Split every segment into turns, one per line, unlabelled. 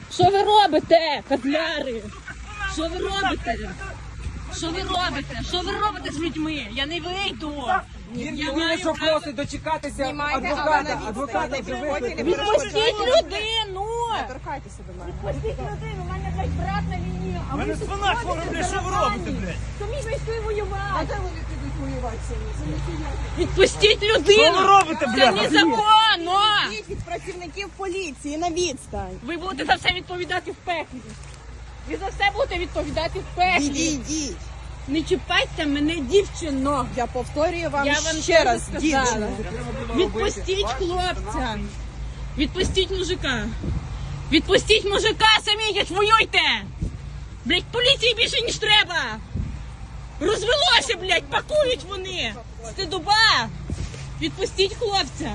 Що ви робите, козляри? Що ви робите? Що ви робите? Що ви робите з людьми? Я не вийду.
Він що просить дочекатися адвоката. Адвоката вже викликали.
Відпустіть людину!
Торкайтеся до мене.
Відпустіть людину, у мене, блядь, брат на війні. А ви
спина хвора, блядь, що ви робите, блядь?
Самі вийшли
А
воювати.
де вони підуть воювати самі?
Відпустіть людину!
Що ви робите,
Це
блядь?
незаконно!
Йдіть від працівників поліції на відстань.
Ви будете за все відповідати в пеклі. Ви за все будете відповідати в пеклі.
Відійдіть.
Не чіпайте мене, дівчино.
Я повторюю вам
Я вам
ще раз,
сказала.
дівчина.
Відпустіть хлопця. Відпустіть мужика. Відпустіть мужика, самі йдіть, воюйте. Блять, поліції більше, ніж треба. Розвелося, блять, пакують вони. Стидоба. Відпустіть хлопця.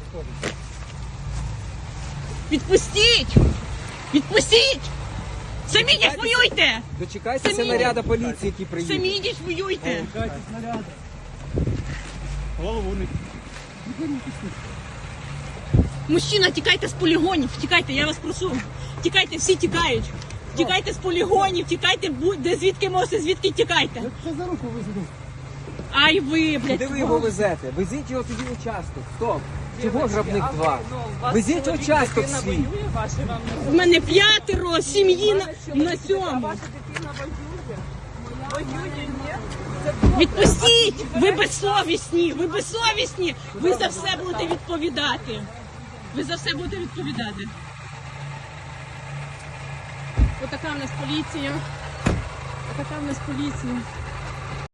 Відпустіть. Відпустіть. Самі йдіть, воюйте.
Дочекайтеся
Самі.
наряду поліції, який приїде.
Самі йдіть, воюйте.
Голову не...
Мужчина, тікайте з полігонів, тікайте, я вас прошу. Тікайте, всі тікають. Тікайте з полігонів, тікайте, де звідки можете, звідки тікайте.
Це за руку визаду.
Ай ви, блядь.
Куди ви його везете? Везіть його тоді в участок. Стоп. Чого грабник 2? Везіть в участок свій.
В мене 5 сім'ї на 7. Відпустіть! Ви безсовісні! Ви безсовісні! Ви за все будете відповідати. Ви за все будете відповідати. Отака в нас поліція. Отака в нас поліція.